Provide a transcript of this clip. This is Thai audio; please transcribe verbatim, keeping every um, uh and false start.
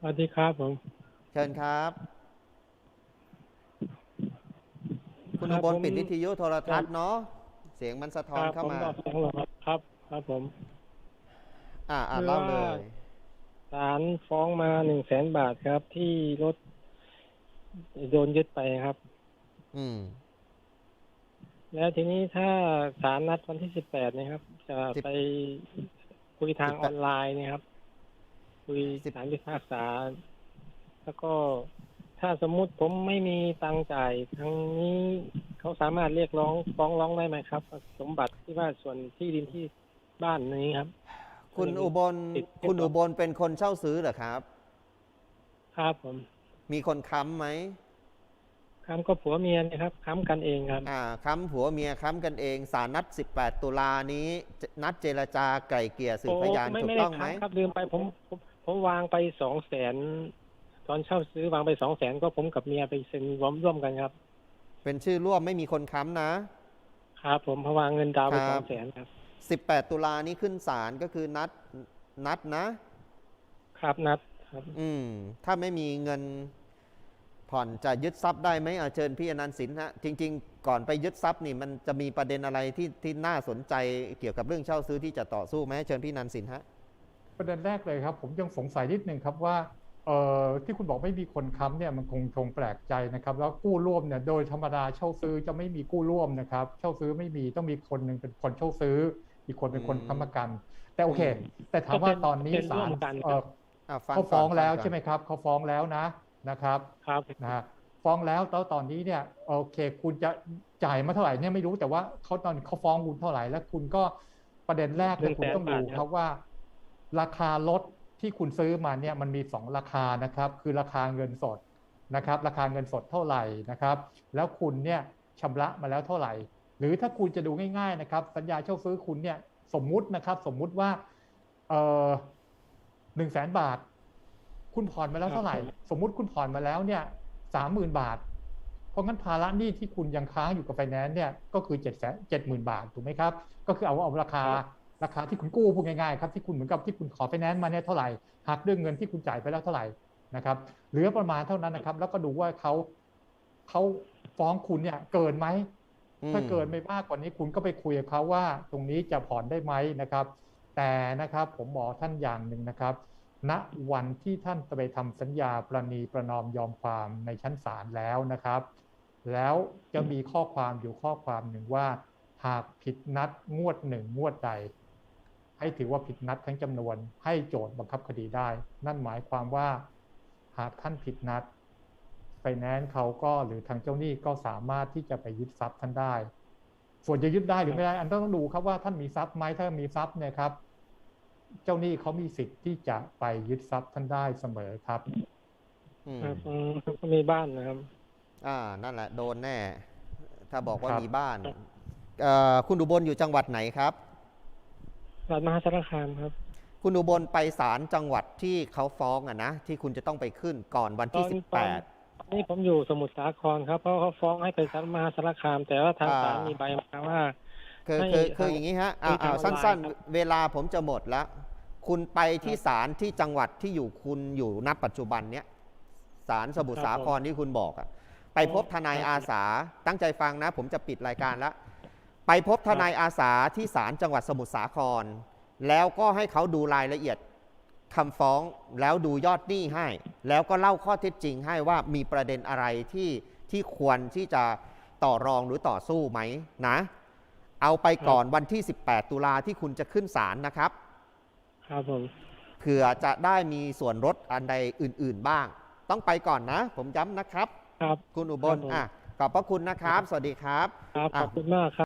วัสดีครับผมเชิญครับคุณอุบลครับผมปิดวิทยุโทรครับทัศน์เนาะเสียงมันสะคท้อนเข้ามารับผมบอกเสียงหรอครับครับครับผมอ่าอ่าคือว่าเล่าเลยศาลฟ้องมาหนึ่งแสนบาทครับที่รถโดนยึดไปครับอืมแล้วทีนี้ถ้าศาลนัดวันที่สิบแปดนะครับจะสิบไปคุยทาสิบแปดงออนไลน์เนะครับคุยสิบศาลพิพากษาแล้วก็ถ้าสมมุติผมไม่มีตังค์จ่ายทางนี้เขาสามารถเรียกร้องฟ้องร้องได้ไหมครับสมบัติที่ว่าส่วนที่ดินที่บ้านนี้ครับคุณอุบลติดเรียคุณอุบร้อยบลเป็นคนเช่าซื้อเหรอครับครับผมมีคนค้ำไหมค้ำก็ผัวเมียนะครับค้ำกันเองครับอ่าค้ำผัวเมียค้ำกันเองศาลนัดสิบแปดตุลานี้นัดเจรจาไกล่เกลี่ยสืโอ้บพยานไม่ถูกไม่ได้ต้องไหมค้ำครับลืมไปผมผมผมวางไปสองแสนตอนเช่าซื้อวางไปสองแสนก็ผมกับเมียไปเซ็นร่วมร่วมกันครับเป็นชื่อร่วมไม่มีคนค้ำครับผมเพราะวางเงินดาวคไปรับสองแสนครับสิบแปดตุลานี้ขึ้นศาลก็คือนัดนัดนะครับนัดครับอืมถ้าไม่มีเงินผ่อนจะยึดทรัพย์ได้ไหมเอาเชิญพี่อนันต์สินฮะจริงๆก่อนไปยึดทรัพย์นี่มันจะมีประเด็นอะไรที่ที่น่าสนใจเกี่ยวกับเรื่องเช่าซื้อที่จะต่อสู้ไหมเชิญพี่อนันต์สินฮะประเด็นแรกเลยครับผมยังสงสัยนิดนึงครับว่าเอ่อที่คุณบอกไม่มีคนค้ำเนี่ยมันคงคงแปลกใจนะครับแล้วกู้ร่วมเนี่ยโดยธรรมดาเช่าซื้อจะไม่มีกู้ร่วมนะครับเช่าซื้อไม่มีต้องมีคนหนึ่งเป็นคนเช่าซื้ออีกคนเป็นคนค้ำประกันแต่โอเคแต่ถามว่าตอนนี้ศาลเอ่อเขาฟ้องแล้วใช่ไหมครับเขาฟ้องแล้วนะนะครับครับนะฮะฟ้องแล้วแล้วตอนนี้เนี่ยโอเคคุณจะจ่ายมาเท่าไหร่เนี่ยไม่รู้แต่ว่าเขาตอนเขาฟ้องคุณเท่าไหร่แล้วคุณก็ประเด็นแรกเลยคุณต้องดูครับว่าราคารถที่คุณซื้อมาเนี่ยมันมีสองราคานะครับคือราคาเงินสดนะครับราคาเงินสดเท่าไหร่นะครับแล้วคุณเนี่ยชำระมาแล้วเท่าไหร่หรือถ้าคุณจะดูง่ายๆนะครับสัญญาเช่าซื้อคุณเนี่ยสมมุตินะครับสมมุติว่าเออหนึ่งแสนบาทคุณผ่อนมาแล้วเท่าไหร่สมมุติคุณผ่อนมาแล้วเนี่ยสามหมื่นบาทเพราะงั้นภาระหนี้ที่คุณยังค้างอยู่กับไฟแนนซ์เนี่ยก็คือเจ็ดแสนเจ็ดหมื่นบาทถูกไหมครับก็คือเอาเอาราคาราคาที่คุณกู้พูดง่ายๆครับที่คุณเหมือนกับที่คุณขอไฟแนนซ์มาเนี่ยเท่าไหร่หักด้วยเงินที่คุณจ่ายไปแล้วเท่าไหร่นะครับเหลือประมาณเท่านั้นนะครับแล้วก็ดูว่าเขาเขาฟ้องคุณเนี่ยเกินไหมถ้าเกินไม่มากกว่านี้คุณก็ไปคุยกับเขาว่าตรงนี้จะผ่อนได้ไหมนะครับแต่นะครับผมบอกท่านอย่างหนึ่งนะครับณวันที่ท่านจะไปทำสัญญาประนีประนอมยอมความในชั้นศาลแล้วนะครับแล้วจะมีข้อความอยู่ข้อความหนึ่งว่าหากผิดนัดงวดหนึ่งงวดใดให้ถือว่าผิดนัดทั้งจำนวนให้โจทก์บังคับคดีได้นั่นหมายความว่าหากท่านผิดนัดไฟแนนซ์เขาก็หรือทางเจ้าหนี้ก็สามารถที่จะไปยึดทรัพย์ท่านได้ส่วนจะยึดได้หรือไม่ได้อันต้องดูครับว่าท่านมีทรัพย์ไหมถ้ามีทรัพย์เนี่ยครับเจ้าหนี้เขามีสิทธิ์ที่จะไปยึดทรัพย์ท่านได้เสมอครับครับก็มีบ้านนะครับอ่านั่นแหละโดนแน่ถ้าบอกว่ามีบ้านครับคุณอุบลอยู่จังหวัดไหนครับรัฐมหาสารคามครับคุณอุบลไปศาลจังหวัดที่เขาฟ้องอะนะที่คุณจะต้องไปขึ้นก่อนวันตอนที่สิบตอนแปดนี่ผมอยู่สมุทรสาครครับเพราะเขาฟ้องให้ไปศาลมหาสารคามแต่ว่าทางศาลมีใบมาว่าคือให้คือคือทางอย่างนี้ฮะอ่าคุยทาอ่างออนไลน์สั้นครับๆ เวลาผมจะหมดแล้ว คุณไปที่ศาลที่จังหวัดที่อยู่คุณอยู่ณปัจจุบันเนี้ยศาลสมุทรสาครที่คุณบอกอะไปพบทนายอาสาตั้งใจฟังนะ ผมจะปิดรายการแล้ว ไปพบทนายอาสาที่ศาลจังหวัดสมุทรสาคร แล้วก็ให้เขาดูรายละเอียดคำฟ้องแล้วดูยอดหนี้ให้ แล้วก็เล่าข้อเท็จจริงให้ว่ามีประเด็นอะไรที่ที่ควรที่จะต่อรองหรือต่อสู้ไหมนะเอาไปก่อนวันที่สิบแปดตุลาที่คุณจะขึ้นศาลนะครับครับผมเผื่อจะได้มีส่วนลดอันใดอื่นๆบ้างต้องไปก่อนนะผมย้ำนะครับครับคุณอุบลผมอ่ะขอบพระคุณนะครับสวัสดีครับครับขอบคุณมากครับ